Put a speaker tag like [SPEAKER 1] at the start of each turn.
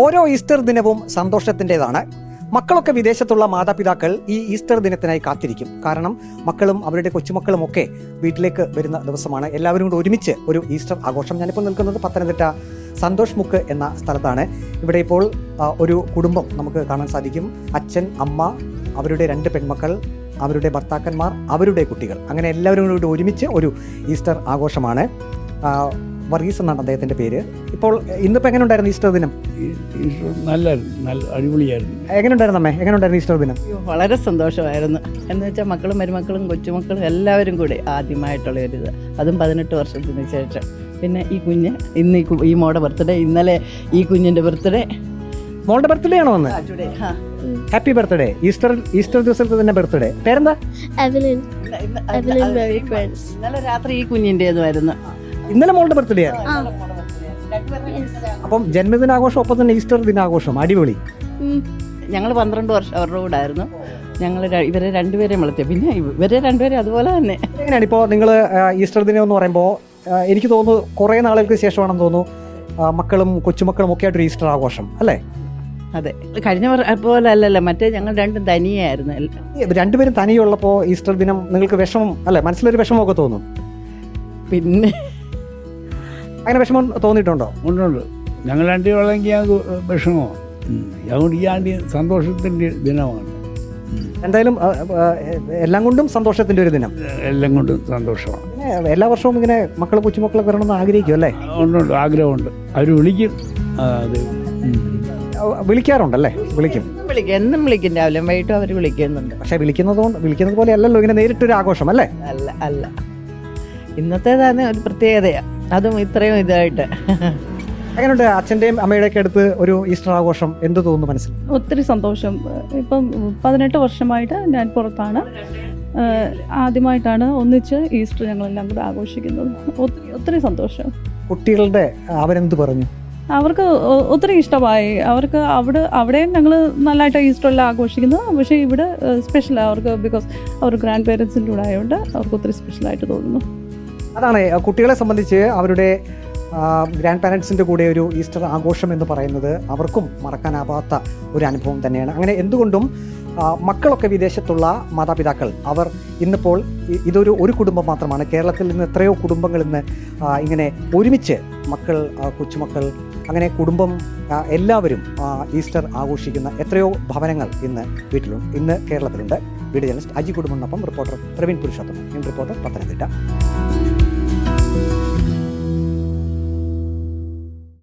[SPEAKER 1] ഓരോ ഈസ്റ്റർ ദിനവും സന്തോഷത്തിൻ്റെതാണ്. മക്കളൊക്കെ വിദേശത്തുള്ള മാതാപിതാക്കൾ ഈ ഈസ്റ്റർ ദിനത്തിനായി കാത്തിരിക്കും. കാരണം മക്കളും അവരുടെ കൊച്ചുമക്കളും ഒക്കെ വീട്ടിലേക്ക് വരുന്ന ദിവസമാണ്. എല്ലാവരും കൂടി ഒരുമിച്ച് ഒരു ഈസ്റ്റർ ആഘോഷം. ഞാനിപ്പോൾ നിൽക്കുന്നത് പത്തനംതിട്ട സന്തോഷ് മുക്ക് എന്ന സ്ഥലത്താണ്. ഇവിടെ ഇപ്പോൾ ഒരു കുടുംബം നമുക്ക് കാണാൻ സാധിക്കും. അച്ഛൻ, അമ്മ, അവരുടെ 2 പെൺമക്കൾ, അവരുടെ ഭർത്താക്കന്മാർ, അവരുടെ കുട്ടികൾ, അങ്ങനെ എല്ലാവരും കൂടി ഒരുമിച്ച് ഒരു ഈസ്റ്റർ ആഘോഷമാണ്. വർഗീസ് എന്നാണ് അദ്ദേഹത്തിൻ്റെ പേര്. ഇപ്പോൾ ഇന്നിപ്പോൾ എങ്ങനെ ഉണ്ടായിരുന്നു ഈസ്റ്റർ ദിനം?
[SPEAKER 2] നല്ല അടിപൊളിയായിരുന്നു.
[SPEAKER 1] എങ്ങനെയുണ്ടായിരുന്നു അമ്മേ? എങ്ങനെയുണ്ടായിരുന്നു ഈസ്റ്റർ ദിനം?
[SPEAKER 3] വളരെ സന്തോഷമായിരുന്നു. എന്ന് വെച്ചാൽ മക്കളും മരുമക്കളും കൊച്ചുമക്കളും എല്ലാവരും കൂടി ആദ്യമായിട്ടുള്ള ഒരിത്, അതും 18 വർഷത്തിന് ശേഷം. പിന്നെ ഈ കുഞ്ഞ് ഇന്ന് ഈ മോടെ ബർത്ത്ഡേ, ഇന്നലെ ഈ കുഞ്ഞിൻ്റെ ബർത്ത്ഡേ.
[SPEAKER 1] മോളുടെ ബർത്ത്ഡേ ആണോ വന്ന്? Happy birthday. ഈസ്റ്റർ ദിവസത്തെ തന്നെ ബർത്ത്ഡേ. പേരെന്താ?
[SPEAKER 3] ഇന്നലെ രാത്രി ഈ കുഞ്ഞിൻ്റെതുമായിരുന്നു.
[SPEAKER 1] ഇന്നലെ മോളുടെ ബർത്ത്ഡേ ആണ്. അപ്പം ജന്മദിനാഘോഷം ഒപ്പം തന്നെ ഈസ്റ്റർ ദിനാഘോഷം. അടിപൊളി.
[SPEAKER 3] ഞങ്ങൾ 12 വർഷം അവരുടെ കൂടെ ആയിരുന്നു. ഞങ്ങൾ ഇവരെ രണ്ടുപേരെയും വളർത്തിയ, പിന്നെ ഇവരെ രണ്ടുപേരും അതുപോലെ തന്നെ.
[SPEAKER 1] എങ്ങനെയാണ് ഇപ്പോൾ നിങ്ങൾ ഈസ്റ്റർ ദിനം എന്ന് പറയുമ്പോൾ? എനിക്ക് തോന്നുന്നു കുറേ നാളുകൾക്ക് ശേഷമാണെന്ന് തോന്നുന്നു മക്കളും കൊച്ചുമക്കളും ഒക്കെ ആയിട്ടൊരു ഈസ്റ്റർ ആഘോഷം അല്ലേ?
[SPEAKER 3] അതെ, കഴിഞ്ഞ പോലെ അല്ലല്ലോ, മറ്റേ ഞങ്ങൾ രണ്ടും തനിയായിരുന്നു.
[SPEAKER 1] രണ്ടുപേരും തനിയുള്ളപ്പോൾ ഈസ്റ്റർ ദിനം നിങ്ങൾക്ക് വിഷമം അല്ലേ? മനസ്സിലൊരു വിഷമമൊക്കെ തോന്നും.
[SPEAKER 3] പിന്നെ
[SPEAKER 1] അങ്ങനെ വിഷമം തോന്നിയിട്ടുണ്ടോ?
[SPEAKER 2] ഉണ്ട്. ഞങ്ങൾ രണ്ടുപേരെങ്കിൽ ഞങ്ങൾക്ക് വിഷമോ. അതുകൊണ്ട് ഈ ആണ്ടി സന്തോഷത്തിൻ്റെ ദിനമാണ്.
[SPEAKER 1] എന്തായാലും എല്ലാം കൊണ്ടും സന്തോഷത്തിൻ്റെ ഒരു ദിനം.
[SPEAKER 2] എല്ലാം കൊണ്ടും സന്തോഷമാണ്.
[SPEAKER 1] എല്ലാ വർഷവും ഇങ്ങനെ മക്കളും കൊച്ചുമക്കളൊക്കെ വരണമെന്ന് ആഗ്രഹിക്കും അല്ലേ?
[SPEAKER 2] ഉണ്ട്, ആഗ്രഹമുണ്ട്. അവർ വിളിക്കും. അത്
[SPEAKER 1] വിളിക്കാറുണ്ടല്ലേ? വിളിക്കും,
[SPEAKER 3] എന്നും വിളിക്കും. രാവിലെ വൈകിട്ടും അവർ വിളിക്കുന്നുണ്ട്.
[SPEAKER 1] പക്ഷെ വിളിക്കുന്നത് പോലെ അല്ലല്ലോ ഇങ്ങനെ നേരിട്ടൊരു ആഘോഷം അല്ലേ?
[SPEAKER 3] അല്ല ഇന്നത്തേതാണ് ഒരു പ്രത്യേകതയാണ്, അതും ഇത്രയും ഇതായിട്ട്.
[SPEAKER 1] എങ്ങനെയുണ്ട് അച്ഛൻ്റെയും അമ്മയുടെയൊക്കെ അടുത്ത് ഒരു ഈസ്റ്റർ ആഘോഷം? എന്ത് തോന്നുന്നു മനസ്സിൽ?
[SPEAKER 4] ഒത്തിരി സന്തോഷം. ഇപ്പം 18 വർഷമായിട്ട് ഞാൻ പുറത്താണ്. ആദ്യമായിട്ടാണ് ഒന്നിച്ച് ഈസ്റ്റർ ഞങ്ങളെല്ലാം കൂടെ ആഘോഷിക്കുന്നത്. ഒത്തിരി സന്തോഷം.
[SPEAKER 1] കുട്ടികളുടെ അവരെന്ത് പറഞ്ഞു?
[SPEAKER 4] അവർക്ക് ഒത്തിരി ഇഷ്ടമായി. അവർക്ക് അവിടെയും ഞങ്ങൾ നല്ലതായിട്ട് ഈസ്റ്ററെല്ലാം ആഘോഷിക്കുന്നത്. പക്ഷേ ഇവിടെ സ്പെഷ്യലാണ് അവർക്ക്, ബിക്കോസ് അവർ ഗ്രാൻഡ് പേരൻസിൻ്റെ കൂടെ ആയതുകൊണ്ട് അവർക്ക് ഒത്തിരി സ്പെഷ്യലായിട്ട് തോന്നുന്നു.
[SPEAKER 1] അതാണ് കുട്ടികളെ സംബന്ധിച്ച് അവരുടെ ഗ്രാൻഡ് പാരൻസിൻ്റെ കൂടെ ഒരു ഈസ്റ്റർ ആഘോഷം എന്ന് പറയുന്നത് അവർക്കും മറക്കാനാവാത്ത ഒരു അനുഭവം തന്നെയാണ്. അങ്ങനെ എന്തുകൊണ്ടും മക്കളൊക്കെ വിദേശത്തുള്ള മാതാപിതാക്കൾ അവർ ഇന്നിപ്പോൾ ഇതൊരു കുടുംബം മാത്രമാണ്. കേരളത്തിൽ നിന്ന് എത്രയോ കുടുംബങ്ങൾ ഇന്ന് ഇങ്ങനെ ഒരുമിച്ച് മക്കൾ, കൊച്ചുമക്കൾ, അങ്ങനെ കുടുംബം എല്ലാവരും ഈസ്റ്റർ ആഘോഷിക്കുന്ന എത്രയോ ഭവനങ്ങൾ ഇന്ന് കേരളത്തിലുണ്ട്. വീഡിയോ ജേർണലിസ്റ്റ് അജി കുടുംബത്തിനൊപ്പം റിപ്പോർട്ടർ പ്രവീൺ പുരുഷോത്തമൻ. റിപ്പോർട്ടർ പത്തനംതിട്ട.